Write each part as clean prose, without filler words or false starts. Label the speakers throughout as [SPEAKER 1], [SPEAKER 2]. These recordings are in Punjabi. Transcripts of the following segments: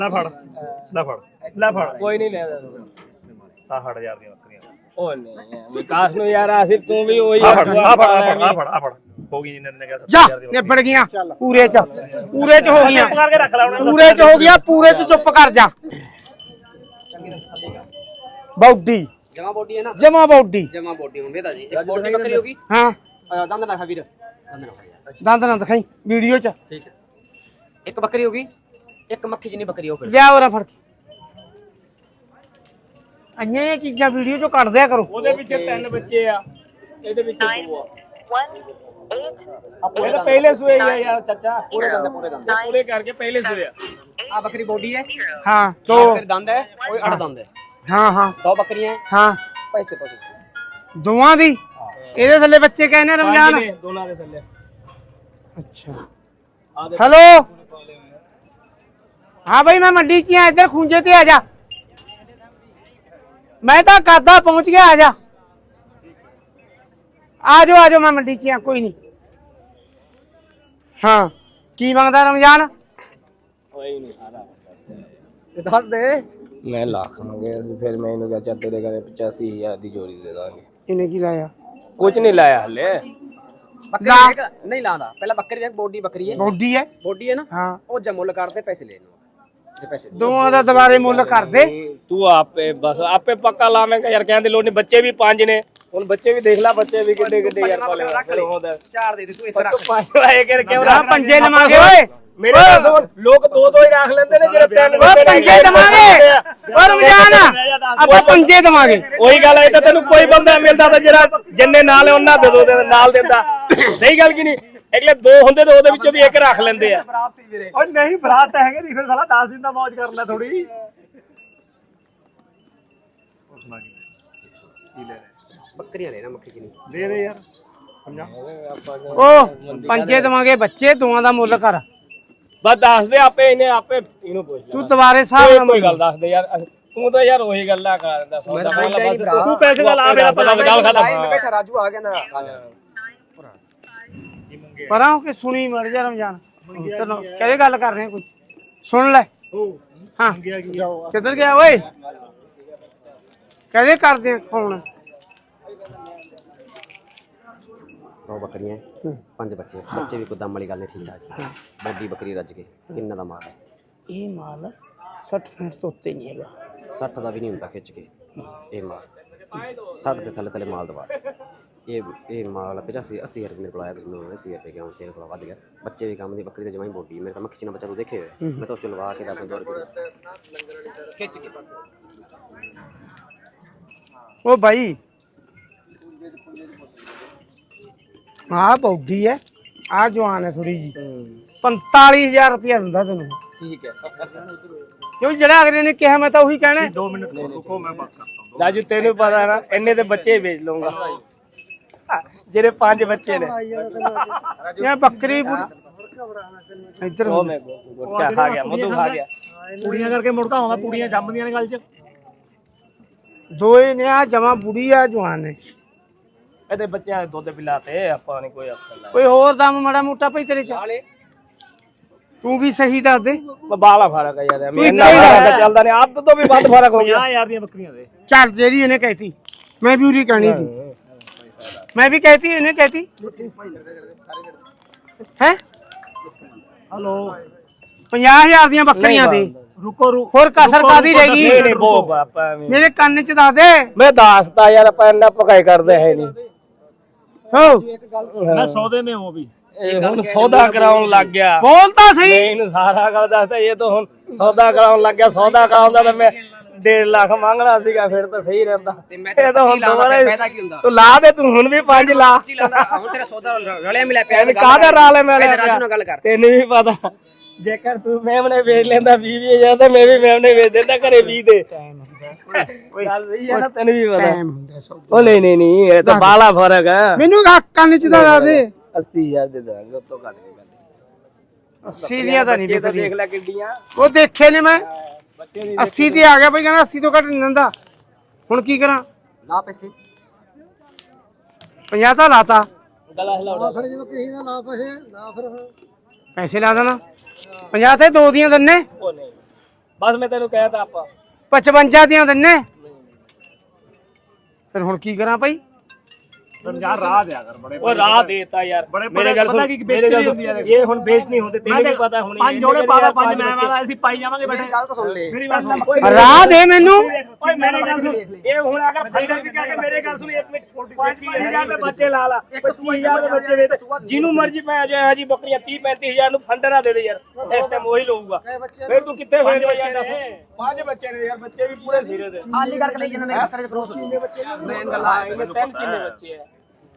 [SPEAKER 1] ਲੈ ਫੜ ਲੈ ਫੜ ਲੈ ਫੜ
[SPEAKER 2] ਕੋਈ ਨਹੀਂ ਲੈ
[SPEAKER 1] 60,000 ਦੀਆਂ ਬੱਕਰੀਆਂ
[SPEAKER 2] ਉਹ ਨਹੀਂ ਵਿਕਾਸ ਨੂੰ ਯਾਰ ਅਸੀਂ ਤੂੰ ਵੀ ਉਹੀ
[SPEAKER 1] ਆ ਫੜ ਹੋ ਗਈ ਜਿੰਨੇ ਨੇ ਕਿਹਾ
[SPEAKER 3] ਜਾ ਨਿਬੜ ਗਈਆਂ ਪੂਰੇ ਚ ਹੋ ਗਈਆਂ
[SPEAKER 1] ਕਰਕੇ ਰੱਖ ਲੈ ਹੁਣ
[SPEAKER 3] ਪੂਰੇ ਚ ਹੋ ਗਿਆ ਪੂਰੇ ਚ ਚੁੱਪ ਕਰ ਜਾ ਬੌਡੀ
[SPEAKER 4] जमा बोटी है ना
[SPEAKER 3] ਜਮਾ ਬੌਡੀ
[SPEAKER 4] जमा बोटी होंगे दादी एक बोटी बकरी होगी
[SPEAKER 3] ਹਾਂ
[SPEAKER 4] दंद ना खा वीर दंद ना खा
[SPEAKER 3] ਦੰਦ ਨਾ ਦਿਖਾਈ ਵੀਡੀਓ ਚ
[SPEAKER 4] ठीक है एक बकरी होगी एक मक्खी जिनी बकरी हो फिर
[SPEAKER 3] ਲਿਆ ਉਹਰਾ ਫੜ ਕੇ ਅੰਨੀਆਂ ਇਹ ਚੀਜ਼ਾਂ ਵੀਡੀਓ ਚੋਂ ਕੱਢ ਦਿਆ ਕਰੋ
[SPEAKER 2] ਉਹਦੇ ਪਿੱਛੇ 3 ਬੱਚੇ ਆ ਇਹਦੇ ਵਿੱਚ 2 ਆ
[SPEAKER 4] पूरे
[SPEAKER 2] ਇਹ ਤਾਂ ਪਹਿਲੇ ਸੂਏ ਹੀ ਆ ਯਾਰ ਚਾਚਾ
[SPEAKER 4] दंद
[SPEAKER 2] ਪੂਰੇ ਕਰਕੇ ਪਹਿਲੇ ਸੂਏ ਆ
[SPEAKER 4] आ बकरी बोटी है
[SPEAKER 3] ਹਾਂ ਤੋ
[SPEAKER 4] फिर दंद है कोई अड़ दंद है
[SPEAKER 3] ਹਾਂ ਹਾਂ
[SPEAKER 4] 2 बकरियां हैं
[SPEAKER 3] ਹਾਂ
[SPEAKER 4] पैसे पैसे
[SPEAKER 3] ਦੋਵਾਂ ਦੀ ਇਹਦੇ ਥੱਲੇ ਬੱਚੇ ਕਹਿੰਦੇ ਰਮਜ਼ਾਨ
[SPEAKER 2] ਪੰਜ ਨੇ ਦੋਨਾਂ ਦੇ ਥੱਲੇ
[SPEAKER 3] ਅੱਛਾ ਹੈਲੋ ਹਾਂ ਭਾਈ ਮੈਂ ਮੰਡੀ 'ਚ ਆ ਇੱਧਰ ਖੁੰਝੇ ਤੇ ਆ ਜਾ ਮੈਂ ਤਾਂ ਕਾਦਾ ਪਹੁੰਚ ਗਿਆ ਆ ਜਾ ਆ ਜਾਓ ਮੈਂ ਮੰਡੀ 'ਚ ਆ ਕੋਈ ਨਹੀਂ ਹਾਂ ਕੀ ਮੰਗਦਾ ਰਮਜ਼ਾਨ
[SPEAKER 2] ਕੋਈ ਨਹੀਂ ਸਾਰਾ
[SPEAKER 4] दस दे
[SPEAKER 2] ਮੈਂ ਲੱਖ ਮੰਗੇ ਅਸੀਂ ਫਿਰ ਮੈਂ ਇਹਨੂੰ ਕਿਹਾ ਚੱਲ ਤੇਰੇ ਘਰੇ 85000 ਦੀ ਜੋੜੀ ਦੇ ਦਾਂਗੇ
[SPEAKER 3] ਇਹਨੇ ਕੀ ਲਾਇਆ
[SPEAKER 2] ਕੁਝ ਨਹੀਂ ਲਾਇਆ ਹਲੇ
[SPEAKER 4] बकरी एक नहीं लादा पहला बकरी एक बोटी बकरी है
[SPEAKER 3] ਬੋਡੀ ਹੈ
[SPEAKER 4] बोटी है ना
[SPEAKER 3] ਹਾਂ
[SPEAKER 4] वो जब मुल काटते पैसे ले लो पैसे
[SPEAKER 3] ਦੋਵਾਂ ਦਾ ਦੁਬਾਰੇ ਮੁੱਲ ਕਰ ਦੇ
[SPEAKER 2] ਤੂੰ ਆਪੇ ਬਸ ਆਪੇ ਪੱਕਾ ਲਾਵੇਂਗਾ ਯਾਰ ਕਹਿੰਦੇ ਲੋੜ ਨਹੀਂ ਬੱਚੇ ਵੀ 5 ਨੇ ਹੁਣ ਬੱਚੇ ਵੀ ਦੇਖ ਲੈ ਬੱਚੇ ਵੀ ਕਿੱਡੇ ਕਿੱਡੇ ਯਾਰ ਪਾਲੇ ਹੋਦਾ
[SPEAKER 4] चार दे दे तू इधर रख
[SPEAKER 2] 5 ਆਏ ਕਿ ਕਿਉਂ
[SPEAKER 3] ਆ ਪੰਜੇ ਲਵਾਂਗੇ ਓਏ
[SPEAKER 2] ਮੇਰੇ ਪਾਸ ਲੋਕ 2 ਹੀ ਰੱਖ ਲੈਂਦੇ ਨੇ ਜਿਹੜੇ 3
[SPEAKER 3] ਓ ਪੰਜੇ ਦਵਾਂਗੇ ਓ ਰਮਜ਼ਾਨ ਆਪਾਂ ਪੰਜੇ ਦਵਾਂਗੇ
[SPEAKER 2] ਉਹੀ ਗੱਲ ਹੈ ਤਾਂ ਤੈਨੂੰ ਕੋਈ ਬੰਦਾ ਮਿਲਦਾ ਤਾਂ ਜਿਹੜਾ ਜਿੰਨੇ ਨਾਲ ਹੈ ਉਹਨਾਂ ਦੇ ਦੋ ਨਾਲ ਦਿੰਦਾ ਸਹੀ ਗੱਲ ਕੀ ਨਹੀਂ ਅਗਲੇ 2 ਹੁੰਦੇ ਤੇ ਉਹਦੇ ਵਿੱਚੋਂ ਵੀ ਇੱਕ ਰੱਖ ਲੈਂਦੇ ਆ
[SPEAKER 4] बरात सी मेरे
[SPEAKER 1] ਓ ਨਹੀਂ ਬਰਾਤ ਤਾਂ ਹੈਗੇ ਨਹੀਂ ਫਿਰ ਸਾਲਾ 10 ਦਿਨ ਦਾ ਮौज ਕਰ ਲੈ ਥੋੜੀ
[SPEAKER 4] बकरियां लेना मक्खी जिनी
[SPEAKER 1] ਦੇ ਦੇ ਯਾਰ ਸਮਝਾ
[SPEAKER 3] ਓ ਪੰਜੇ ਦਵਾਂਗੇ ਬੱਚੇ ਦੋਵਾਂ ਦਾ ਮੁੱਲ ਕਰ
[SPEAKER 2] ਬਸ ਦੱਸ ਦੇ ਆਪੇ ਇਹਨੂੰ ਪੁੱਛ ਲੈ
[SPEAKER 3] ਤੂੰ ਦੁਬਾਰੇ ਹਿਸਾਬ ਨਾਲ
[SPEAKER 2] ਕੋਈ ਗੱਲ ਦੱਸ ਦੇ ਯਾਰ ਤੂੰ ਤਾਂ ਯਾਰ ਉਹੀ ਗੱਲਾਂ ਕਰ ਦਿੰਦਾ ਸੌਦਾ ਬਸ
[SPEAKER 1] ਤੂੰ ਪੈਸੇ ਦਾ ਲਾ ਮੇਰਾ ਪਤਾ
[SPEAKER 2] ਗੱਲ ਖਤਮ
[SPEAKER 4] लाइन में बैठा राजू आ गया ना आ जा
[SPEAKER 3] ਪਰਾਂ ਹੋ ਕੇ ਸੁਣੀ ਮਰ ਜਾ ਰਮਜ਼ਾਨ ਚਲੋ ਕਿਹਦੇ ਗੱਲ ਕਰ ਰਹੇ ਕੋਈ ਸੁਣ ਲੈ ਹਾਂ ਕਿੱਧਰ ਗਿਆ ਓਏ ਕਹਦੇ ਕਰਦੇ ਫੋਨ
[SPEAKER 4] 2 बकरियां 5 बच्चे बच्चे भी कोई दम वाली गल नहीं ठीक ठाक बड़ी बकरी रज के किन्ना दा माल है
[SPEAKER 3] ਇਹ ਮਾਲ 60 ਫੁੱਟ ਤੋਂ ਉੱਤੇ ਨਹੀਂ ਹੈਗਾ
[SPEAKER 4] 60 ਦਾ ਵੀ ਨਹੀਂ ਹੁੰਦਾ ਖਿੱਚ ਕੇ ਇਹ ਮਾਲ 60 ਦੇ ਥੱਲੇ ਮਾਲ ਦਵਾ ਇਹ ਮਾਲ 85 80 ਰੁਪਏ ਮੇਰੇ ਕੋਲ ਆਇਆ ਮੈਨੂੰ 80 ਰੁਪਏ ਕਿਉਂ ਤੇਰੇ ਕੋਲ ਵੱਧ ਗਿਆ ਬੱਚੇ ਵੀ ਕੰਮ ਦੀ ਬੱਕਰੀ ਤੇ ਜਮਾਈ ਬੋਡੀ ਮੇਰੇ ਤਾਂ ਮੱਖੀ ਨਾ ਬੱਚਾ ਤੂੰ ਦੇਖੇ ਹੋਏ ਮੈਂ ਤਾਂ ਉਸ ਲਵਾ ਕੇ ਦਾ 2 ਰੁਪਏ ਖਿੱਚ ਕੇ
[SPEAKER 3] ਉਹ ਭਾਈ ਆ ਬੌਡੀ ਹੈ ਆ ਜਵਾਨ ਹੈ ਥੋੜੀ ਜੀ 45000 ਰੁਪਇਆ ਦਿੰਦਾ ਤੈਨੂੰ
[SPEAKER 4] ठीक है
[SPEAKER 3] ਕਿਉਂ ਜਿਹੜਾ ਅਗਲੇ ਨੇ ਕਿਹਾ ਮੈਂ ਤਾਂ ਉਹੀ ਕਹਿਣਾ
[SPEAKER 1] 2 ਮਿੰਟ ਰੁਕੋ ਮੈਂ ਬਾਤ ਕਰਤਾ ਹੂੰ
[SPEAKER 2] ਰਾਜੂ ਤੈਨੂੰ ਪਤਾ ਨਾ ਇੰਨੇ ਤੇ ਬੱਚੇ ਵੇਚ ਲਊਂਗਾ ਜਿਹੜੇ 5 ਬੱਚੇ ਨੇ
[SPEAKER 3] ਇਹ ਬੱਕਰੀ ਇੱਧਰ
[SPEAKER 2] ਉਹ ਮੈਂ ਗੁੱਟਾ ਖਾ ਗਿਆ ਮਧੂ ਖਾ ਗਿਆ
[SPEAKER 1] ਕੁੜੀਆਂ ਕਰਕੇ ਮੁੜਦਾ ਹੁੰਦਾ ਕੁੜੀਆਂ ਜੰਮਦੀਆਂ ਨੇ ਗੱਲ 'ਚ
[SPEAKER 3] ਦੋਏ ਨੇ ਆ ਜਮਾ ਬੁੜੀ ਆ ਜਵਾਨ ਨੇ
[SPEAKER 2] ਇਹਦੇ ਬੱਚਿਆਂ ਦੇ ਦੁੱਧ ਪਿਲਾਤੇ ਆਪਾਂ ਨਹੀਂ ਕੋਈ ਅਫਸਰ ਲਾਇਆ
[SPEAKER 3] ਕੋਈ ਹੋਰ ਦਮ ਮਾੜਾ ਮੋਟਾ ਭਈ ਤੇਰੇ ਚ
[SPEAKER 4] वाले
[SPEAKER 3] ਤੂੰ ਵੀ ਸਹੀ ਦੱਸ ਦੇ
[SPEAKER 2] ਬਾਲਾ ਫਰਕ ਹੈ ਯਾਰ
[SPEAKER 3] ਤੂੰ
[SPEAKER 2] ਇੰਨਾ
[SPEAKER 3] ਇੱਦਾਂ ਹੀ
[SPEAKER 2] ਫਰਕ ਚੱਲਦਾ ਨਹੀਂ ਅੱਧ ਤੋਂ ਵੀ ਵੱਧ ਫਰਕ ਹੋ ਗਿਆ
[SPEAKER 1] 50,000 ਦੀਆਂ ਬੱਕਰੀਆਂ ਦੇ
[SPEAKER 3] ਚੱਲ ਜਿਹੜੀ ਇਹਨੇ ਕਹਿਤੀ ਮੈਂ ਵੀ ਉਰੀ ਕਹਿਣੀ ਸੀ ਮੈਂ ਵੀ ਕਹਿਤੀ ਇਹਨੇ ਕਹਿਤੀ ਹੈ
[SPEAKER 1] ਹਲੋ
[SPEAKER 3] 50000 ਦੀਆਂ ਬੱਕਰੀਆਂ ਦੇ
[SPEAKER 1] ਰੁਕੋ
[SPEAKER 3] ਹੋਰ ਕਸਰ ਕਾਦੀ ਰਹਿ
[SPEAKER 2] ਨਹੀਂ
[SPEAKER 3] ਗਈ
[SPEAKER 2] ਨਹੀਂ ਬੋ ਆਪਾਂ
[SPEAKER 3] ਮੇਰੇ ਕੰਨ ਚ ਦੱਸ ਦੇ
[SPEAKER 2] ਮੈਂ ਦੱਸਦਾ ਯਾਰ ਆਪਾਂ ਇੰਨਾ ਪਕਾਈ ਕਰਦੇ ਹੈ ਨਹੀਂ
[SPEAKER 3] ਹੋ
[SPEAKER 1] ਮੈਂ ਸੌਦੇ ਮੇ ਹੂੰ ਅਭੀ
[SPEAKER 2] ਇਹ ਹੁਣ ਸੌਦਾ ਕਰਾਉਣ ਲੱਗ ਗਿਆ
[SPEAKER 3] ਬੋਲ ਤਾਂ
[SPEAKER 2] ਮੈਂ
[SPEAKER 3] ਸਹੀ
[SPEAKER 2] ਇਹਨੂੰ ਸਾਰਾ ਗੱਲ ਦੱਸਦਾ ਇਹ ਤਾਂ ਹੁਣ ਸੌਦਾ ਕਰਾਉਣ ਲੱਗ ਗਿਆ ਸੌਦਾ ਕਰਾਉਂਦਾ ਤਾਂ ਮੈਂ 1.5 ਲੱਖ ਮੰਗਣਾ ਸੀਗਾ ਫਿਰ ਤਾਂ ਸਹੀ ਰਹਿੰਦਾ ਇਹ ਤਾਂ ਹੁਣ ਦੁਬਾਰਾ
[SPEAKER 4] फायदा की हुंदा
[SPEAKER 2] ਤੂੰ ਲਾ ਦੇ ਤੂੰ ਹੁਣ ਵੀ 5 ਲਾ
[SPEAKER 4] ची लांदा हुन तेरा सौदा रले मिला पे
[SPEAKER 2] ਇਹਨੇ ਕਾਹਦਾ ਰਾਲੇ ਮੈਂ
[SPEAKER 4] राजू नाल गल कर
[SPEAKER 2] ਤੈਨੂੰ ਵੀ ਪਤਾ ਜੇਕਰ ਤੂੰ ਮੈਮਨੇ ਵੇਚ ਲੈਂਦਾ 20,000 ਤਾਂ ਮੈਂ ਵੀ ਮੈਮਨੇ ਵੇਚ ਦਿੰਦਾ ਘਰੇ 20 ਦੇ ਗੱਲ ਸਹੀ ਹੈ ਨਾ ਤੈਨੂੰ ਵੀ ਪਤਾ
[SPEAKER 3] ਟਾਈਮ ਹੁੰਦਾ ਸਭ
[SPEAKER 2] ਉਹ ਨਹੀਂ ਇਹ ਤਾਂ ਬਾਲਾ ਫਰਕ ਹੈ
[SPEAKER 3] ਮੈਨੂੰ ਕੰਨ ਚ ਤਾਂ ਦੱਸ ਦੇ
[SPEAKER 2] 80000 ਦੇ ਦਾਂਗੇ ਉਸ ਤੋਂ ਘੱਟ ਨਹੀਂ ਕਰਦੇ
[SPEAKER 3] ਸੀਰੀਆਂ ਤਾਂ ਨਹੀਂ
[SPEAKER 2] ਬੱਚੇ ਤਾਂ
[SPEAKER 3] ਵਿਕਦੀ
[SPEAKER 2] ਦੇਖ ਲੈ ਕਿੱਡੀਆਂ
[SPEAKER 3] ਉਹ ਦੇਖੇ ਨੇ ਮੈਂ
[SPEAKER 2] ਬੱਚੇ ਨਹੀਂ
[SPEAKER 3] 80 ਤੇ ਆ ਗਿਆ ਬਈ ਕਹਿੰਦਾ 80 ਤੋਂ ਘੱਟ ਨਹੀਂ ਦਿੰਦਾ ਹੁਣ ਕੀ ਕਰਾਂ
[SPEAKER 4] ला पैसे
[SPEAKER 3] 50 ਤਾਂ ਲਾਤਾ
[SPEAKER 2] ਗਲਾ ਹਿਲਾਉਣਾ
[SPEAKER 5] ਫਿਰ ਜਦੋਂ ਕਿਸੇ ਦਾ ਲਾ ਪੈਸੇ ਨਾ ਫਿਰ
[SPEAKER 3] ਪੈਸੇ ਲਾ ਦੇਣਾ 50 ਤੇ 2 ਦੀਆਂ ਦੰਨੇ
[SPEAKER 2] ਉਹ ਨਹੀਂ ਬਸ ਮੈਂ ਤੈਨੂੰ ਕਹਿਤਾ ਆਪਾਂ
[SPEAKER 3] 55 ਦੀਆਂ ਦਿੰਨੇ ਫਿਰ ਹੁਣ ਕੀ ਕਰਾਂ ਭਾਈ
[SPEAKER 1] ਯਾਰ ਰਾਹ ਦਿਆ ਕਰ ਬੜੇ
[SPEAKER 2] ਉਹ ਰਾਹ ਦੇਤਾ ਯਾਰ ਮੇਰੇ ਗੱਲ ਸੁਣ
[SPEAKER 1] ਵੇਚਣੀ ਹੁੰਦੀ ਆ
[SPEAKER 2] ਇਹ ਹੁਣ ਵੇਚ ਨਹੀਂ ਹੁੰਦੇ ਤੈਨੂੰ ਵੀ ਪਤਾ ਹੁਣ
[SPEAKER 1] ਪੰਜ ਜੋੜੇ ਪਾ ਪੰਜ ਮੈਂ ਵਾਲਾ ਅਸੀਂ ਪਾਈ ਜਾਵਾਂਗੇ ਬੈਠੇ
[SPEAKER 4] ਗੱਲ ਤਾਂ ਸੁਣ ਲੈ
[SPEAKER 1] ਮੇਰੀ ਗੱਲ ਸੁਣ
[SPEAKER 3] ਰਾਹ ਦੇ ਮੈਨੂੰ
[SPEAKER 2] ਓਏ ਮੇਰੇ ਗੱਲ ਸੁਣ ਇਹ ਹੁਣ ਅਗਰ ਫਾਇਦਾ ਵੀ ਕਰਕੇ ਮੇਰੇ ਗੱਲ ਸੁਣ 1 ਮਿੰਟ 25000 ਦੇ ਬੱਚੇ ਲਾ ਲਾ 25000 ਦੇ ਬੱਚੇ ਵੇਚ ਜਿਹਨੂੰ ਮਰਜ਼ੀ ਪੈ ਜਾਏ ਜੀ ਬੱਕਰੀਆਂ 30 35000 ਨੂੰ ਫੰਡਰਾ ਦੇ ਦੇ ਯਾਰ ਇਸ ਟਾਈਮ ਉਹੀ ਲਊਗਾ ਫਿਰ ਤੂੰ ਕਿੱਥੇ ਹੋਏ ਯਾਰ ਦੱਸ 5 ਬੱਚੇ ਨੇ ਯਾਰ ਬੱਚੇ ਵੀ ਪੂਰੇ ਸਿਰੇ ਦੇ
[SPEAKER 4] ਖਾਲੀ ਕਰਕੇ ਲਈ ਜਾਂਦਾ ਮੇਰੇ ਬੱਕਰੇ ਦੇ ਕ੍ਰੋਸ ਕਿੰਨੇ ਬੱਚੇ ਨੇ
[SPEAKER 2] ਮੈਂ ਗੱਲ ਆ ਇਹ 3 ਚਿੰਨੇ ਬੱਚੇ ਆ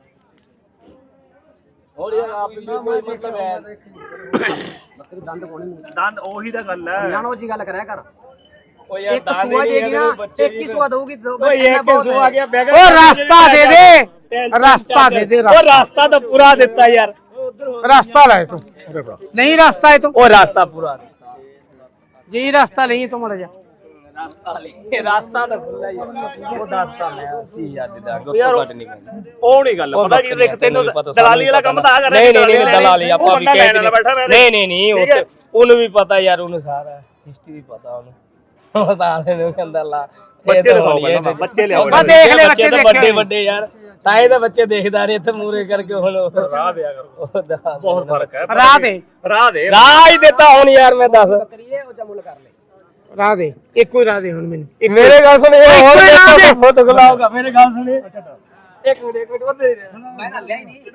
[SPEAKER 2] ਹੋਰ ਯਾਰ ਆਪ ਵੀ ਕੋਈ ਮਤਲਬ ਹੈ
[SPEAKER 4] ਬੱਕਰੀ ਦੰਦ ਕੋਣੀ
[SPEAKER 1] ਦੰਦ ਉਹੀ ਤਾਂ ਗੱਲ ਹੈ
[SPEAKER 4] ਜਾਨੋ ਜੀ ਗੱਲ ਕਰਿਆ ਕਰ
[SPEAKER 2] ਓ ਯਾਰ
[SPEAKER 4] ਇੱਕ ਸੁਆ ਦੇਗੀ ਨਾ 21 ਸੁਆ ਦਊਗੀ
[SPEAKER 2] ਓਏ ਇੱਕ ਸੁਆ ਗਿਆ ਬੈਗ
[SPEAKER 3] ਉਹ ਰਸਤਾ ਦੇ ਦੇ ਰਸਤਾ ਦੇ ਦੇ
[SPEAKER 2] ਉਹ ਰਸਤਾ ਤਾਂ ਪੂਰਾ ਦਿੱਤਾ ਯਾਰ
[SPEAKER 3] ਰਸਤਾ ਲੈ ਤੂੰ ਨਹੀਂ ਰਸਤਾ ਹੈ ਤੂੰ
[SPEAKER 2] ਉਹ ਰਸਤਾ ਪੂਰਾ
[SPEAKER 3] ਜੀ ਰਸਤਾ ਨਹੀਂ ਤੂੰ ਮੜ ਜਾ
[SPEAKER 2] ਰਸਤਾ ਤਾਂ ਖੁੱਲਾ ਯਾਰ ਉਹ ਦੱਸਤਾ ਮੈਂ 80000 ਦੇ ਦਾਂਗਾ ਘੱਟ ਨਹੀਂ ਕਹਿੰਦਾ
[SPEAKER 1] ਉਹ ਨਹੀਂ ਗੱਲ ਪਤਾ ਕੀ ਦੇਖ ਤੈਨੂੰ ਦਲਾਲੀ ਵਾਲਾ ਕੰਮ ਤਾਂ ਆ ਕਰ
[SPEAKER 2] ਨਹੀਂ ਦਲਾਲੀ ਆਪਾਂ ਵੀ ਕਹਿ ਨਹੀਂ ਉਹਨੂੰ ਵੀ ਪਤਾ ਯਾਰ ਉਹਨੂੰ ਸਾਰਾ ਹਿਸਟਰੀ ਪਤਾ ਉਹਨੂੰ ਬਤਾ ਦੇਨੂੰ ਕਹਿੰਦਾ ਲਾ
[SPEAKER 1] ਬੱਚੇ ਦਿਖਾਓ ਬੱਚੇ ਲਿਆਓ
[SPEAKER 3] ਬਾ ਦੇਖ ਲੈ ਬੱਚੇ
[SPEAKER 2] ਵੱਡੇ ਵੱਡੇ ਯਾਰ ਤਾਂ ਇਹ ਤਾਂ ਬੱਚੇ ਦੇਖਦਾ ਨਹੀਂ ਇੱਥੇ ਮੂਰੇ ਕਰਕੇ ਹੁਣ
[SPEAKER 1] ਰਾਹ ਦਿਆ ਕਰੋ ਬਹੁਤ ਫਰਕ ਹੈ
[SPEAKER 3] ਰਾਹ ਦੇ
[SPEAKER 2] ਰਾਹ ਹੀ ਦਿੱਤਾ ਹੁਣ ਯਾਰ ਮੈਂ ਦੱਸ
[SPEAKER 4] ਕਰੀਏ ਉਹ ਜਮੁਲ ਕਰ ਲੈ
[SPEAKER 3] ਰਾਹ ਦੇ ਇੱਕੋ ਹੀ ਰਾਹ ਦੇ ਹੁਣ ਮੈਨੂੰ
[SPEAKER 2] ਮੇਰੇ ਗੱਲ ਸੁਣ ਇਹ ਹੋਰ ਫੋਟੋ ਖਲਾਊਗਾ ਮੇਰੇ ਗੱਲ ਸੁਣ ਇੱਕ ਮਿੰਟ ਵੱਧੇ
[SPEAKER 4] ਮੈਂ ਨਾ ਲਿਆ ਹੀ ਨਹੀਂ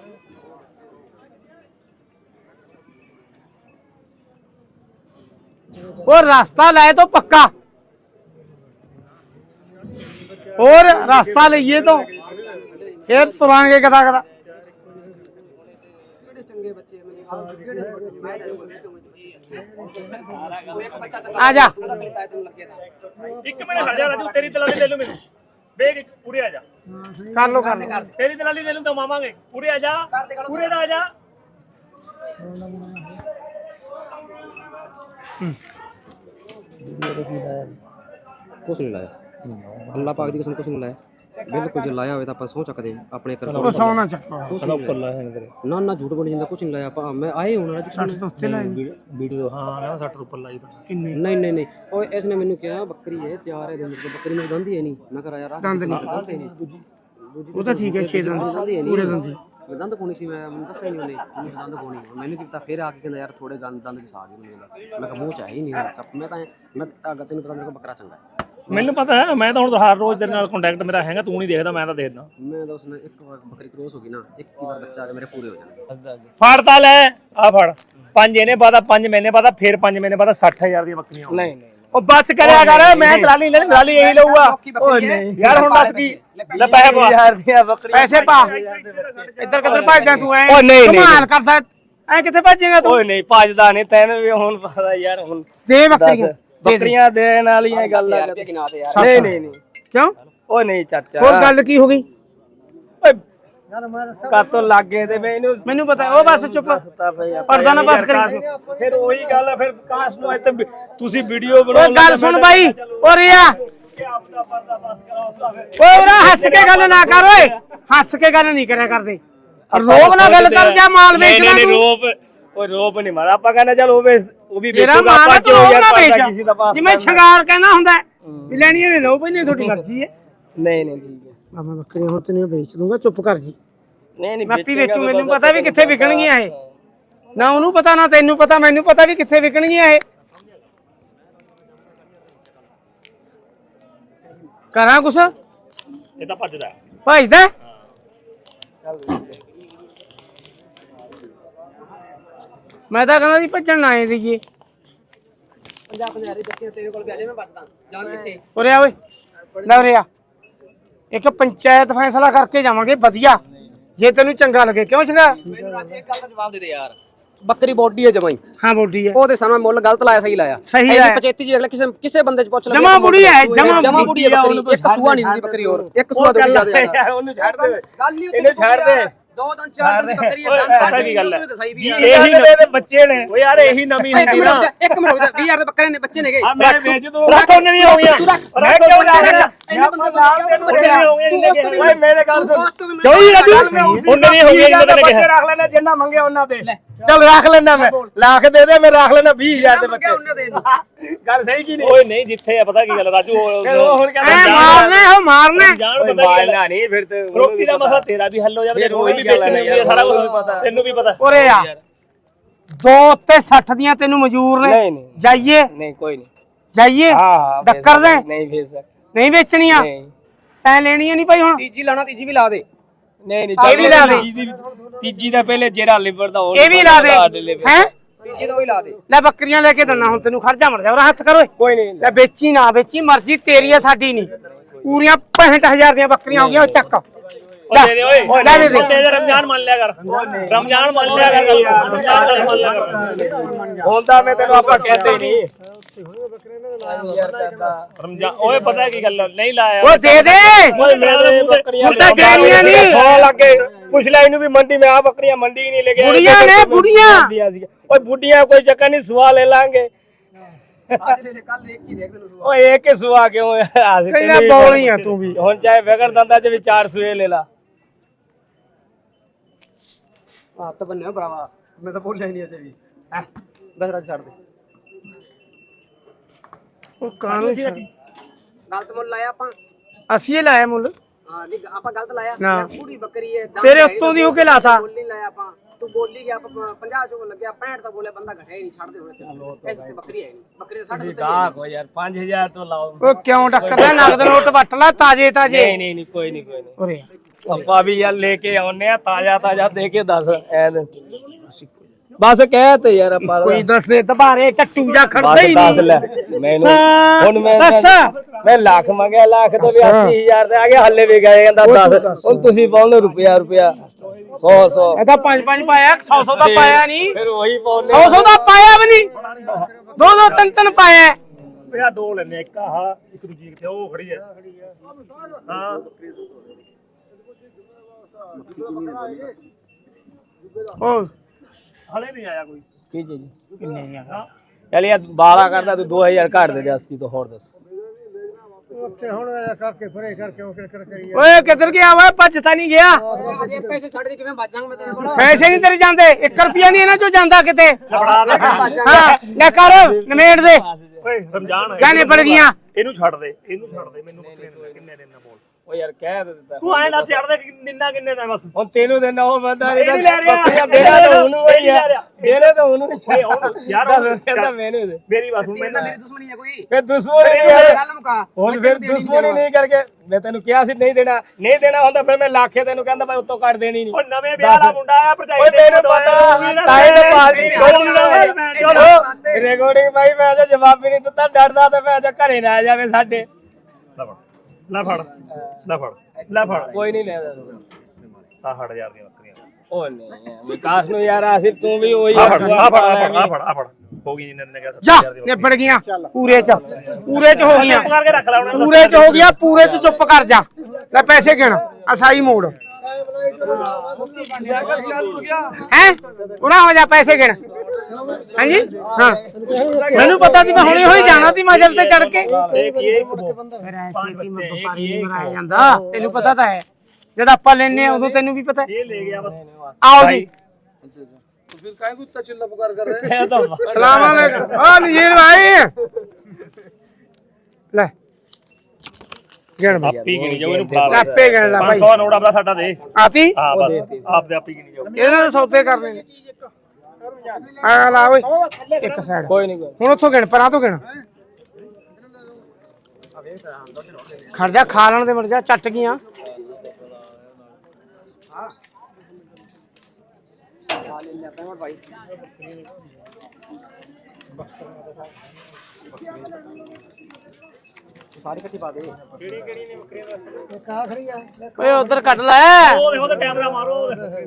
[SPEAKER 3] ਉਹ ਰਸਤਾ ਲੈ ਤੋ ਪੱਕਾ ਹੋਰ ਰਸਤਾ ਲਈਏ ਤੋਂ ਫਿਰ ਤੁਰਾਂਗੇ ਕਦਾ ਕਦਾ
[SPEAKER 4] ਚੰਗੇ ਬੱਚੇ ਮੈਂ
[SPEAKER 3] ਆ ਜਾ
[SPEAKER 1] ਇੱਕ ਮਿੰਟ ਖੜ ਜਾ ਰਾਜੂ ਤੇਰੀ ਦਲਾਲੀ ਲੈ ਲੂ ਮੈਨੂੰ ਵੇਖ ਪੂਰੇ ਆ ਜਾ
[SPEAKER 3] ਕਰ ਲੋ ਕਰ ਲੋ
[SPEAKER 1] ਤੇਰੀ ਦਲਾਲੀ ਲੈ ਲੂ ਤਾਂ ਮਾਵਾਂਗੇ ਪੂਰੇ ਆ ਜਾ ਪੂਰੇ ਦਾ ਆ ਜਾ
[SPEAKER 4] ਕੁਛ ਨਹੀਂ ਲਾਇਆ ਅੱਲਾਹ ਪਾਕ ਦੀ ਕਸਮ ਕੁਛ ਨਹੀਂ ਲਾਇਆ ਬਿਲਕੁਲ ਜੇ ਲਾਇਆ ਹੋਵੇ ਤਾਂ ਆਪਾਂ ਸਹੁੰ ਚੱਕਦੇ ਆਪਣੇ ਕਰ
[SPEAKER 3] ਉਹ ਸੌਣਾ ਚੱਕੋ
[SPEAKER 4] ਨਾ ਨਾ ਝੂਠ ਬੋਲੀ ਜਾਂਦਾ ਕੁਛ ਨਹੀਂ ਲਾਇਆ ਆਪਾਂ ਮੈਂ ਆਏ ਹੁਣ ਰਾਜੂ
[SPEAKER 3] ਸੱਟ ਤੋਂ ਉੱਤੇ ਲਾਈ
[SPEAKER 1] ਵੀਡੀਓ ਹਾਂ ਨਾ 60 ਉੱਪਰ ਲਾਈ
[SPEAKER 3] ਕਿੰਨੇ
[SPEAKER 4] ਨਹੀਂ ਓਏ ਇਸਨੇ ਮੈਨੂੰ ਕਿਹਾ ਬੱਕਰੀ ਹੈ ਤਿਆਰ ਹੈ ਦਿਨ ਬੱਕਰੀ ਨੂੰ ਦੰਦ ਹੀ ਹੈ ਨਹੀਂ ਮੈਂ ਕਰਾ ਯਾਰ
[SPEAKER 3] ਦੰਦ ਨਹੀਂ ਉਹ ਤਾਂ ਠੀਕ ਹੈ 6 ਦੰਦ ਪੂਰੇ ਦੰਦ
[SPEAKER 4] ਮੈਂ ਦੰਦ ਕੋਣੀ ਸੀ ਮੈਨੂੰ ਦੱਸਿਆ ਨਹੀਂ ਉਹਨੇ ਮੈਨੂੰ ਦੰਦ ਕੋਣੀ ਮੈਨੂੰ ਕੀਤਾ ਫਿਰ ਆ ਕੇ ਕਹਿੰਦਾ ਯਾਰ ਥੋੜੇ ਦੰਦ ਕਿਸ ਆ ਗਏ ਮੈਨੂੰ ਮੈਂ ਕਿਹਾ ਮੂੰਹ ਚ ਆਈ ਨਹੀਂ ਮੈਂ ਅਗਰ ਤੈਨੂੰ ਪਤਾ ਮੇਰੇ ਕੋਲ ਬੱਕਰਾ ਚੰਗਾ ਹੈ
[SPEAKER 1] ਮੈਨੂੰ ਪਤਾ ਹੈ ਮੈਂ ਤਾਂ ਹੁਣ ਹਰ ਰੋਜ਼ ਤੇਰੇ ਨਾਲ ਕੰਟੈਕਟ ਮੇਰਾ ਹੈਗਾ ਤੂੰ ਨਹੀਂ ਦੇਖਦਾ ਮੈਂ ਤਾਂ ਦੇਖਦਾ
[SPEAKER 4] ਮੈਂ ਤਾਂ ਉਸਨੇ ਇੱਕ ਵਾਰ ਬੱਕਰੀ ਕ੍ਰੋਸ ਹੋ ਗਈ ਨਾ ਇੱਕ ਹੀ ਵਾਰ ਬੱਚਾ ਆ ਗਿਆ ਮੇਰੇ ਪੂਰੇ ਹੋ ਜਾਣਗੇ
[SPEAKER 1] ਫੜਦਾ ਲੈ ਆ ਫੜ 5 ਇਹਨੇ ਪਾਦਾ 5 ਮਹੀਨੇ ਪਾਦਾ ਫਿਰ 5 ਮਹੀਨੇ ਪਾਦਾ 60000 ਦੀਆਂ ਬੱਕਰੀਆਂ
[SPEAKER 2] ਨਹੀਂ
[SPEAKER 1] ਉਹ ਬੱਸ ਕਰਿਆ ਕਰ ਮੈਂ ਦਲਾਲੀ ਲੈਣੀ ਦਲਾਲੀ ਇਹੀ ਲਊਗਾ
[SPEAKER 2] ਓ ਨਹੀਂ
[SPEAKER 1] ਯਾਰ ਹੁਣ ਦੱਸ ਕੀ ਲੈ ਪੈਸੇ ਪਾ
[SPEAKER 2] ਯਾਰ ਦੀਆਂ ਬੱਕਰੀਆਂ
[SPEAKER 3] ਪੈਸੇ ਪਾ ਇੱਧਰ ਕਿੱਧਰ ਭੱਜਦਾ ਤੂੰ ਐ
[SPEAKER 2] ਓ ਨਹੀਂ
[SPEAKER 3] ਕਮਾਲ ਕਰਦਾ ਐ ਕਿੱਥੇ ਭੱਜੇਗਾ ਤੂੰ
[SPEAKER 2] ਓਏ ਨਹੀਂ ਭੱਜਦਾ ਨਹੀਂ ਤੈਨੂੰ ਵੀ ਹੁਣ ਪਤਾ ਯਾਰ ਹੁਣ
[SPEAKER 3] ਦੇ ਬੱਕਰੀਆਂ
[SPEAKER 2] ਬੱਕਰੀਆਂ ਦੇਣ ਵਾਲੀਆਂ ਗੱਲਾਂ ਨਹੀਂ
[SPEAKER 3] ਕਿਉਂ
[SPEAKER 2] ਓ ਨਹੀਂ ਚਾਚਾ
[SPEAKER 3] ਹੋਰ ਗੱਲ ਕੀ ਹੋ ਗਈ
[SPEAKER 2] ਓਏ ਕਾਤੋਂ ਲੱਗੇ ਤੇ ਮੈਂ ਇਹਨੂੰ
[SPEAKER 3] ਮੈਨੂੰ ਪਤਾ ਉਹ ਬਸ ਚੁੱਪ ਪਰਦਾ ਨਾ ਬਸ ਕਰੀ
[SPEAKER 2] ਫਿਰ ਉਹੀ ਗੱਲ ਹੈ ਫਿਰ ਕਾਸ਼ ਨੂੰ ਇੱਥੇ ਤੁਸੀਂ ਵੀਡੀਓ
[SPEAKER 3] ਓਏ
[SPEAKER 2] ਬਣਾਓ
[SPEAKER 3] ਗੱਲ ਸੁਣ ਬਾਈ ਓ ਰਿਆ ਓਏ ਉਰਾ ਹੱਸ ਕੇ ਗੱਲ ਨਾ ਕਰ ਓਏ ਹੱਸ ਕੇ ਗੱਲ ਨਹੀਂ ਕਰਿਆ ਕਰਦੇ ਰੋਬ ਨਾਲ ਗੱਲ ਕਰ ਜਾ ਮਾਲ ਵੇਚਣਾ
[SPEAKER 2] ਨਹੀਂ
[SPEAKER 3] ਤੂੰ
[SPEAKER 2] ਓਏ ਰੋਪ ਨਹੀਂ ਮਾਰਾ ਆਪਾਂ ਕਹਿੰਦੇ ਚੱਲ ਉਹ ਵੀ
[SPEAKER 3] ਤੇਰਾ
[SPEAKER 2] ਵੇਚੂਗਾ
[SPEAKER 3] ਮਾਲ
[SPEAKER 2] ਆਪਾਂ
[SPEAKER 3] ਤੂੰ
[SPEAKER 2] ਕਿਉਂ
[SPEAKER 3] ਰੋਬ
[SPEAKER 2] ਯਾਰ
[SPEAKER 3] ਨਾ
[SPEAKER 2] ਪਰਦਾ ਕਿਸੇ ਦਾ
[SPEAKER 3] ਵੇਚ
[SPEAKER 2] ਪਾਸ
[SPEAKER 3] ਜਿਵੇਂ ਸ਼ਿੰਗਾਰ ਕਹਿਣਾ ਹੁੰਦਾ ਵੀ ਲੈਣੀਆਂ ਨੇ ਲਓ ਪਹਿਲੇ ਤੁਹਾਡੀ ਮਰਜ਼ੀ ਹੈ
[SPEAKER 2] ਨਹੀਂ ਠੀਕ ਹੈ
[SPEAKER 3] ਮਾਮਾ ਬੱਕਰੀਆਂ ਹੁਣ ਤੈਨੂੰ ਵੇਚ ਦੂੰਗਾ ਚੁੱਪ ਕਰ ਜੀ
[SPEAKER 2] ਨਹੀਂ
[SPEAKER 3] ਮੈਂ ਆਪੀ ਵੇਚੂ ਮੈਨੂੰ ਪਤਾ ਵੀ ਕਿੱਥੇ ਵਿਕਣਗੀਆਂ ਇਹ ਨਾ ਉਹਨੂੰ ਪਤਾ ਨਾ ਤੈਨੂੰ ਪਤਾ ਮੈਨੂੰ ਪਤਾ ਵੀ ਕਿੱਥੇ ਵਿਕਣਗੀਆਂ ਇਹ ਕਰਾਂ ਕੁਛ
[SPEAKER 1] ਇਹ ਤਾਂ ਭੱਜਦਾ
[SPEAKER 3] ਭਜਦਾ ਮੈਂ ਤਾਂ ਕਹਿੰਦਾ ਸੀ ਭੱਜਣ ਨਾ ਆਏ ਦੀਏ
[SPEAKER 4] 50 ਬੱਕਰੀਆਂ ਤੇਰੇ ਕੋਲ ਪਿਆ ਜੇ ਮੈਂ ਬਚਦਾ ਜਾਨ ਕਿੱਥੇ
[SPEAKER 3] ਉਰੇ ਆ ਓਏ ਲੈ ਉਰੇ ਆ ਇੱਕ ਪੰਚਾਇਤ ਫੈਸਲਾ ਕਰਕੇ ਜਾਵਾਂਗੇ ਵਧੀਆ ਜੇ ਤੈਨੂੰ ਚੰਗਾ ਲੱਗੇ ਕਿਉਂ ਚੰਗਾ
[SPEAKER 4] ਮੈਨੂੰ ਅੱਜ ਇੱਕ ਗੱਲ ਦਾ ਜਵਾਬ ਦੇ ਦੇ ਯਾਰ ਬੱਕਰੀ ਬੋਡੀ ਹੈ ਜਮਾਈ
[SPEAKER 3] ਹਾਂ ਬੋਡੀ ਹੈ
[SPEAKER 4] ਉਹਦੇ ਸਾਹਮਣੇ ਮੁੱਲ ਗਲਤ ਲਾਇਆ ਸਹੀ ਲਾਇਆ
[SPEAKER 3] ਸਹੀ
[SPEAKER 4] ਐਨੀ
[SPEAKER 3] ਲਾਇਆ।
[SPEAKER 4] 35 ਜੀ ਅਗਲਾ ਕਿਸੇ ਬੰਦੇ ਚ ਪੁੱਛ ਲੈ
[SPEAKER 3] ਜਮਾ ਬੁੜੀ ਹੈ
[SPEAKER 4] ਜਮਾ ਬੁੜੀ ਹੈ ਬੱਕਰੀ ਇੱਕ ਸੂਆ ਨਹੀਂ ਦਿੰਦੀ ਬੱਕਰੀ ਹੋਰ ਇੱਕ ਸੂਆ ਦੇ ਜ਼ਿਆਦਾ
[SPEAKER 2] ਯਾਰ ਉਹਨੂੰ ਛੱਡ ਦੇ
[SPEAKER 4] ਗੱਲ ਨਹੀਂ
[SPEAKER 2] ਇਹਨੂੰ ਛੱਡ ਦੇ
[SPEAKER 4] ਦੋ ਦਿਨ ਚਾਰ ਦਿਨ ਬੱਕਰੀ ਹੈ ਦੰਦ
[SPEAKER 1] ਪਤਾ ਕੀ ਗੱਲ ਹੈ
[SPEAKER 4] ਸਹੀ ਵੀ
[SPEAKER 2] ਇਹੀ ਦੇ ਬੱਚੇ ਨੇ
[SPEAKER 1] ਓ ਯਾਰ ਇਹੀ ਨਵੀਂ ਹੁੰਦੀ ਨਾ
[SPEAKER 4] ਇੱਕ ਮਿੰਟ 20000 ਦੇ ਬੱਕਰੇ ਨੇ ਬੱਚੇ ਨੇਗੇ
[SPEAKER 1] ਆ ਮੈਂ ਵੇਚ ਦੂੰ
[SPEAKER 2] ਰੱਖ ਉਹਨੇ ਨਹੀਂ ਹੋਈਆਂ
[SPEAKER 1] ਮੈਂ ਕਿਉਂ ਲਾਉਂਗਾ
[SPEAKER 4] ਇੰਨੇ ਬੰਦੇ ਸਾਹਮਣੇ ਬੱਚੇ ਨੇ
[SPEAKER 2] ਓਏ ਮੇਰੇ ਗੱਲ ਸੁਣ
[SPEAKER 1] ਕਿਉਂ ਹੀ ਰਾਜੂ ਉਹਨੇ ਨਹੀਂ ਹੋਈ ਇਹਨਾਂ ਨੇ ਕਿਹਾ
[SPEAKER 2] ਰੱਖ ਲੈਣਾ ਜਿੰਨਾ ਮੰਗਿਆ ਉਹਨਾਂ ਤੇ ਚੱਲ ਰੱਖ ਲੈਣਾ ਮੈਂ ਲੱਖ ਦੇ ਦੇ ਮੈਂ ਰੱਖ ਲੈਣਾ 20000 ਦੇ ਬੱਚੇ ਗੱਲ ਸਹੀ ਕੀ ਨਹੀਂ
[SPEAKER 1] ਓਏ ਨਹੀਂ ਜਿੱਥੇ ਆ ਪਤਾ ਕੀ ਗੱਲ ਰਾਜੂ
[SPEAKER 2] ਉਹ ਹੁਣ ਕਹਿੰਦਾ
[SPEAKER 3] ਮਾਰਨੇ ਹੋ ਮਾਰਨੇ
[SPEAKER 1] ਜਾਣ ਪਤਾ ਕੀ ਗੱਲ
[SPEAKER 2] ਮਾਰਨਾ ਨਹੀਂ ਫਿਰ ਤੇ
[SPEAKER 1] ਰੋਟੀ ਦਾ ਮਸਾ ਤੇਰਾ ਵੀ ਹੱਲ ਹੋ ਜਾਵੇ ਰੋਟੀ ਵੀ ਵੇਚਣੀ ਹੁੰਦੀ ਹੈ ਸਾਰਾ ਕੁਝ ਪਤਾ ਤੈਨੂੰ ਵੀ ਪਤਾ
[SPEAKER 3] ਉਰੇ ਆ 2 ਤੇ 60 ਦੀਆਂ ਤੈਨੂੰ ਮਨਜ਼ੂਰ ਨੇ
[SPEAKER 2] ਨਹੀਂ ਨਹੀਂ
[SPEAKER 3] ਜਾਈਏ
[SPEAKER 2] ਨਹੀਂ ਕੋਈ ਨਹੀਂ
[SPEAKER 3] ਜਾਈਏ
[SPEAKER 2] ਹਾਂ
[SPEAKER 3] ਡੱਕਰ ਦੇ
[SPEAKER 2] ਨਹੀਂ ਵੇਚ ਸਕ
[SPEAKER 3] ਨਹੀਂ ਵੇਚਣੀਆਂ
[SPEAKER 2] ਨਹੀਂ
[SPEAKER 3] ਤੈਂ ਲੈਣੀਆਂ ਨਹੀਂ ਭਾਈ ਹੁਣ
[SPEAKER 5] ਤੀਜੀ ਲਾਣਾ ਤੀਜੀ ਵੀ ਲਾ ਦੇ
[SPEAKER 2] ਨਹੀਂ
[SPEAKER 3] ਇਹ ਵੀ ਲਾ ਦੇ
[SPEAKER 2] ਤੀਜੀ ਦਾ ਪਹਿਲੇ ਜਿਹੜਾ ਲਿਵਰ ਦਾ
[SPEAKER 3] ਇਹ ਵੀ ਲਾ ਦੇ ਹੈ
[SPEAKER 5] ਤੀਜੀ ਦਾ ਵੀ ਲਾ ਦੇ
[SPEAKER 3] ਲੈ ਬੱਕਰੀਆਂ ਲੈ ਕੇ ਦੰਨਾ ਹੁਣ ਤੈਨੂੰ ਖਰਚਾ ਮਰ ਜਾ ਉਹ ਹੱਥ ਕਰੋ
[SPEAKER 2] ਕੋਈ ਨਹੀਂ
[SPEAKER 3] ਲੈ ਵੇਚੀ ਨਾ ਵੇਚੀ ਮਰਜ਼ੀ ਤੇਰੀ ਆ ਸਾਡੀ ਨਹੀਂ ਪੂਰੀਆਂ 65000 ਦੀਆਂ ਬੱਕਰੀਆਂ ਹੋ ਗਈਆਂ ਉਹ ਚੱਕ
[SPEAKER 1] ਦੇ ਦੇ ਓਏ
[SPEAKER 3] ਲੈ ਦੇ ਦੇ
[SPEAKER 1] ਦੇ ਰਮਜ਼ਾਨ ਮੰਨ ਲਿਆ ਕਰ ਰਮਜ਼ਾਨ ਮੰਨ ਲਿਆ ਕਰ ਰਮਜ਼ਾਨ ਮੰਨ ਲਿਆ ਕਰ
[SPEAKER 2] ਹੁੰਦਾ ਮੈਂ ਤੈਨੂੰ ਆਪਾਂ ਕਹਿੰਦੇ ਹੀ ਨਹੀਂ
[SPEAKER 1] ਰਮਜ਼ਾਨ ਓਏ ਪਤਾ ਕੀ ਗੱਲ ਨਹੀਂ ਲਾਇਆ
[SPEAKER 3] ਉਹ ਦੇ ਦੇ
[SPEAKER 1] ਓਏ ਮੇਰੇ ਬੱਕਰੀਆਂ
[SPEAKER 3] ਹੁਣ ਤਾਂ ਦੇਣੀਆਂ ਨਹੀਂ
[SPEAKER 2] 100 ਲੱਗੇ ਪੁੱਛ ਲੈ ਇਹਨੂੰ ਵੀ ਮੰਡੀ ਮੈਂ ਆ ਬੱਕਰੀਆਂ ਮੰਡੀ ਹੀ ਨਹੀਂ ਲੈ ਕੇ ਆਏ।
[SPEAKER 3] ਬੁੜੀਆਂ ਨੇ ਬੁੜੀਆਂ
[SPEAKER 2] ਓਏ ਬੁੱਢੀਆਂ ਕੋਈ ਚੱਕਰ ਨਹੀਂ ਸੁਆ ਲੈ ਲਾਂਗੇ
[SPEAKER 5] ਅੱਜ ਲੈ ਲੈ ਕੱਲ ਇੱਕ ਹੀ ਦੇਖ ਤੈਨੂੰ
[SPEAKER 2] ਓਏ ਇੱਕ ਹੀ ਸੁਆ ਕਿਉਂ ਹਾਜ਼ਰ
[SPEAKER 3] ਕਹਿੰਦਾ ਬੌਲੀ ਆ ਤੂੰ ਵੀ
[SPEAKER 2] ਹੁਣ ਚਾਹੇ ਵਗਰ ਦੰਦਾ ਚ ਵੀ 4 ਸੂਏ ਲੈ ਲਾ
[SPEAKER 5] ਹੱਥ ਬੰਨਿਓ ਭਰਾਵਾ ਮੈਂ ਤਾਂ ਬੋਲਿਆ ਨਹੀਂ ਅਜੇ ਵੀ ਬਸ ਰਾਜ ਛੱਡ ਦੇ
[SPEAKER 3] ਉਹ ਕਾਨੂੰ
[SPEAKER 5] ਗਲਤ ਮੁੱਲ ਲਾਇਆ ਆਪਾਂ
[SPEAKER 3] ਅਸੀਂ ਇਹ ਲਾਇਆ ਮੁੱਲ
[SPEAKER 5] ਹਾਂ ਨਹੀਂ ਆਪਾਂ ਗਲਤ ਲਾਇਆ
[SPEAKER 3] ਨਾ।
[SPEAKER 5] ਪੂਰੀ ਬੱਕਰੀ ਹੈ
[SPEAKER 3] ਤੇਰੇ ਉੱਤੋਂ ਦੀ ਹੋ ਕੇ ਲਾਤਾ
[SPEAKER 5] ਬੋਲੀ ਲਾਇਆ ਆਪਾਂ ਤੂੰ ਬੋਲੀ ਗਿਆ ਆਪਾਂ 50 ਚੋਂ ਲੱਗਿਆ 65 ਤਾਂ ਬੋਲੇ ਬੰਦਾ ਘਟਿਆ ਹੀ ਨਹੀਂ ਛੱਡ ਦੇ ਹੁਣ ਤੇ ਬੱਕਰੀ ਹੈ ਨਹੀਂ ਬੱਕਰੀ ਦੇ 60
[SPEAKER 2] ਗਾਹਕ ਹੋ ਯਾਰ 5000 ਤੋਂ ਲਾਓ
[SPEAKER 3] ਉਹ ਕਿਉਂ ਟੱਕਰਦਾ ਨਗਦ ਨੋਟ ਵੱਟ ਲਾ ਤਾਜੇ ਤਾਜੇ
[SPEAKER 2] ਨਹੀਂ ਨਹੀਂ ਨਹੀਂ ਕੋਈ ਨਹੀਂ ਕੋਈ ਨਹੀਂ
[SPEAKER 3] ਉਰੇ
[SPEAKER 2] ਆਪਾਂ ਵੀ ਯਾਰ ਲੈ ਕੇ ਆਉਨੇ ਆ ਤਾਜ਼ਾ ਤਾਜ਼ਾ ਦੇ ਕੇ ਦੱਸ ਐ ਬਸ ਕਹਿ ਤੇ ਯਾਰ ਆਪਾਂ
[SPEAKER 3] ਕੋਈ ਦੱਸ ਦੇ ਦੁਬਾਰੇ ਟੱਟੂ ਜਾ ਖੜਦਾ
[SPEAKER 2] ਬਸ
[SPEAKER 3] ਹੀ
[SPEAKER 2] ਦੱਸ
[SPEAKER 3] ਨਹੀਂ
[SPEAKER 2] ਲੈ ਮੈਨੂੰ
[SPEAKER 3] ਹਾਂ,
[SPEAKER 2] ਹੁਣ ਮੈਂ
[SPEAKER 3] ਦੱਸ।
[SPEAKER 2] ਮੈਂ ਲੱਖ ਮੰਗਿਆ ਲੱਖ ਤੋਂ ਵੀ 80000 ਤੇ ਆ ਗਿਆ ਹੱਲੇ ਵੀ ਗਏ ਕਹਿੰਦਾ
[SPEAKER 3] ਉਹ ਤੂੰ
[SPEAKER 2] 10 ਹੁਣ ਤੁਸੀਂ ਪਾਉਂਦੇ ਰੁਪਿਆ 100
[SPEAKER 3] ਇਹ ਤਾਂ 5 ਪਾਇਆ 100 ਦਾ ਪਾਇਆ ਨਹੀਂ
[SPEAKER 2] ਫਿਰ ਉਹੀ ਪਾਉਂਦੇ
[SPEAKER 3] 100 ਦਾ ਪਾਇਆ ਵੀ ਨਹੀਂ 2 3 ਪਾਇਆ
[SPEAKER 1] ਪਿਆ ਦੋ ਲੈਣੇ ਇੱਕ ਆਹ ਇੱਕ ਦੂਜੀ ਕਿੱਥੇ ਉਹ ਖੜੀ ਹੈ ਹਾਂ
[SPEAKER 3] ਉਹ
[SPEAKER 1] ਹਲੇ ਨਹੀਂ ਆਇਆ ਕੋਈ
[SPEAKER 2] ਕੀ ਚੀਜ਼
[SPEAKER 3] ਕਿੰਨੇ ਦੀਆਂ
[SPEAKER 2] ਚੱਲ ਯਾਰ 12 ਕਰਦਾ ਤੂੰ 2000 ਘੱਟ ਦੇ 80 ਤੋਂ ਹੋਰ ਦੱਸ
[SPEAKER 3] ਓਏ ਕਿੱਧਰ ਗਿਆ ਓਏ ਭੱਜ ਤਾਂ ਨਹੀਂ ਗਿਆ
[SPEAKER 5] ਅਜੇ ਪੈਸੇ ਛੱਡ ਦੇ ਕਿਵੇਂ ਬਾਜਾਂਗਾ ਮੈਂ ਤੇਰੇ ਕੋਲ
[SPEAKER 3] ਪੈਸੇ ਨਹੀਂ ਤੇਰੇ ਜਾਂਦੇ 1 ਰੁਪਿਆ ਨਹੀਂ ਇਹਨਾਂ ਚੋਂ ਜਾਂਦਾ ਕਿਤੇ
[SPEAKER 1] ਲਫੜਾ ਦੇ
[SPEAKER 3] ਹਾਂ ਲੈ ਕਰ ਨਮੇੜ ਦੇ
[SPEAKER 1] ਓਏ ਰਮਜ਼ਾਨ ਹੈ
[SPEAKER 3] ਗਾਣੇ ਪੜ ਗਈਆਂ
[SPEAKER 1] ਇਹਨੂੰ ਛੱਡ ਦੇ ਮੈਨੂੰ ਕਿੰਨੇ ਦਿਨ ਨਾ ਬੋਲ
[SPEAKER 2] ਉਹ ਯਾਰ ਕਹਿ ਦੇ ਦਿੱਤਾ
[SPEAKER 1] ਤੂੰ ਐਂ ਦੱਸ ਛੱਡ ਦੇ ਦਿੰਦਾ ਕਿੰਨੇ ਦਾ ਬਸ
[SPEAKER 2] ਹੁਣ ਤੈਨੂੰ ਦੇਣਾ ਉਹ ਬੰਦਾ
[SPEAKER 1] ਇਹ ਨਹੀਂ ਲੈ ਰਿਹਾ।
[SPEAKER 2] ਬੱਕਰੀਆਂ ਦੇਣਾ ਤਾਂ ਉਹਨੂੰ
[SPEAKER 1] ਇਹ
[SPEAKER 2] ਹੀ
[SPEAKER 1] ਨਹੀਂ
[SPEAKER 2] ਆ
[SPEAKER 1] ਲੈ ਰਿਹਾ।
[SPEAKER 2] ਦੇਣਾ ਤਾਂ ਉਹਨੂੰ
[SPEAKER 1] ਓਏ ਉਹਨੂੰ ਯਾਰ
[SPEAKER 2] ਕਹਿੰਦਾ ਮੈਨੂੰ ਦੇ
[SPEAKER 1] ਮੇਰੀ ਬਸ ਹੁਣ
[SPEAKER 5] ਮੇਰੀ ਦੁਸ਼ਮਣੀ ਹੈ ਕੋਈ
[SPEAKER 2] ਫਿਰ ਦੁਸ਼ਮਣੀ ਨਹੀਂ ਯਾਰ
[SPEAKER 5] ਗੱਲ ਮੁਕਾ
[SPEAKER 2] ਹੁਣ ਫਿਰ ਦੁਸ਼ਮਣੀ ਨਹੀਂ ਕਰਕੇ ਮੈਂ ਤੈਨੂੰ ਕਿਹਾ ਸੀ ਨਹੀਂ ਦੇਣਾ ਹੁੰਦਾ ਫਿਰ ਮੈਂ ਲੱਖੇ ਤੈਨੂੰ ਕਹਿੰਦਾ ਮੈਂ ਉੱਤੋਂ ਕੱਟ ਦੇਣੀ ਨਹੀਂ
[SPEAKER 1] ਓ ਨਵੇਂ ਵਿਆਹ ਵਾਲਾ ਮੁੰਡਾ ਆਇਆ ਭਰਜਾਈ
[SPEAKER 2] ਓਏ ਤੈਨੂੰ ਪਤਾ ਤਾਏ ਨੇ ਪਾਲਦੀ ਚਲੋ ਰਿਕਾਰਡਿੰਗ ਭਾਈ ਮੈਂ ਅਜੇ ਜਵਾਬ ਵੀ ਨਹੀਂ ਦਿੱਤਾ ਡਰਦਾ ਤੇ ਮੈਂ ਅਜੇ ਘਰੇ ਨਾ ਆ ਜਾਵੇ ਸਾਡੇ
[SPEAKER 1] ਲੈ ਫੜ
[SPEAKER 2] ਕੋਈ ਨਹੀਂ ਲੈਦਾ
[SPEAKER 1] ਆ 6000 ਦੀਆਂ ਬੱਕਰੀਆਂ
[SPEAKER 2] ਉਹ ਨਹੀਂ ਵਿਕਾਸ ਨੂੰ ਯਾਰ ਆਸਿਫ ਤੂੰ ਵੀ ਉਹੀ
[SPEAKER 1] ਆ ਫੜ ਹੋ ਗਈ ਜਿੰਨੇ ਨੇ ਕਿਹਾ
[SPEAKER 3] ਜਾ
[SPEAKER 1] 70000 ਦੀ
[SPEAKER 3] ਨਿਬੜ ਗਈਆਂ ਪੂਰੇ ਚ ਹੋ ਗਈਆਂ
[SPEAKER 1] ਚੁੱਪ ਕਰਕੇ ਰੱਖ ਲੈ ਉਹਨੇ
[SPEAKER 3] ਪੂਰੇ ਚ ਹੋ ਗਿਆ ਪੂਰੇ ਚ ਚੁੱਪ ਕਰ ਜਾ ਲੈ ਪੈਸੇ ਗਿਣ ਅਸਾਈ ਮੋੜ ਹੈ ਉਹਨਾਂ ਹੋ ਜਾ ਪੈਸੇ ਗਿਣ ਹਾਂਜੀ ਹਾਂ ਮੈਨੂੰ ਪਤਾ ਸੀ ਮੈਂ ਹੁਣੇ ਹੋਈ ਜਾਣਾ ਸੀ ਮਾਜਲ ਤੇ ਚੜ ਕੇ ਫਿਰ ਐਸੇ ਕੀ ਮੈਂ ਵਪਾਰੀ ਨਹੀਂ ਬਣਾਇਆ ਜਾਂਦਾ ਤੈਨੂੰ ਪਤਾ ਤਾਂ ਹੈ ਜਦ ਆਪਾਂ ਲੈਨੇ ਆ ਉਦੋਂ ਤੈਨੂੰ ਵੀ ਪਤਾ
[SPEAKER 1] ਇਹ ਲੈ ਗਿਆ ਬਸ
[SPEAKER 3] ਆਓ ਜੀ
[SPEAKER 5] ਫਿਰ ਕਾहे कुत्ता चिल्ला पुकार कर रहे हैं
[SPEAKER 1] ਇਹ ਤਾਂ
[SPEAKER 3] ਸਲਾਮ ਅਲੈਕੁਮ ਆ ਨਜੀਰ ਭਾਈ ਲੈ ਗਿਣ ਬਈ
[SPEAKER 1] ਆਪੀ ਗਿਣੀ ਜਾਓ ਇਹਨੂੰ ਫੜਾ
[SPEAKER 3] ਆਪੇ ਗਿਣ ਲੈ ਭਾਈ
[SPEAKER 1] 500 ਨੋਟ ਆਪਦਾ ਸਾਡਾ ਦੇ
[SPEAKER 3] ਆਤੀ
[SPEAKER 1] ਹਾਂ ਬਸ ਆਪਦੇ ਆਪੀ ਗਿਣੀ ਜਾਓ
[SPEAKER 3] ਇਹਨਾਂ ਦੇ ਸੌਦੇ ਕਰਨੇ ਨੇ ਆ ਲਾ ਓਏ ਇੱਕ ਸਾਈਡ
[SPEAKER 2] ਕੋਈ ਨਹੀਂ
[SPEAKER 3] ਹੁਣ ਉੱਥੋਂ ਗਿਣ ਪਰਾਂ ਤੋਂ ਗਿਣ ਖੜ ਜਾ ਖਾ ਲੈਣ ਦੇ ਮਰ ਜਾ ਚੱਟ ਗਈਆਂ
[SPEAKER 5] सारी कट्टी पा दे
[SPEAKER 3] ਓਏ ਉਧਰ ਕੱਢ ਲੈ
[SPEAKER 1] ਉਹ ਦੇਖੋ ਤੇ ਕੈਮਰਾ ਮਾਰੋ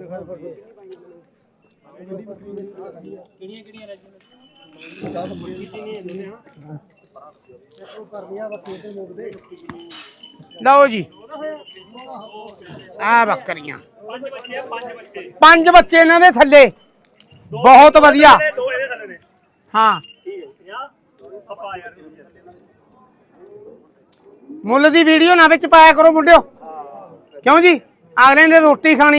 [SPEAKER 3] ਲਓ ਜੀ ਆ ਬੱਕਰੀਆਂ 5 ਬੱਚੇ ਇਹਨਾਂ ਦੇ ਥੱਲੇ ਬਹੁਤ ਵਧੀਆ
[SPEAKER 1] ਦੋ ਇਹਦੇ ਥੱਲੇ ਨੇ
[SPEAKER 3] ਹਾਂ
[SPEAKER 1] ਠੀਕ ਹੈ 50 ਆਪਾਂ ਯਾਰ
[SPEAKER 3] ਮੁੱਲ ਦੀ ਵੀਡੀਓ ਨਾ ਵਿੱਚ ਪਾਇਆ ਕਰੋ ਮੁੰਡਿਓ ਕਿਉਂ ਜੀ ਅਗਲੇ ਨੇ ਰੋਟੀ ਖਾਣੀ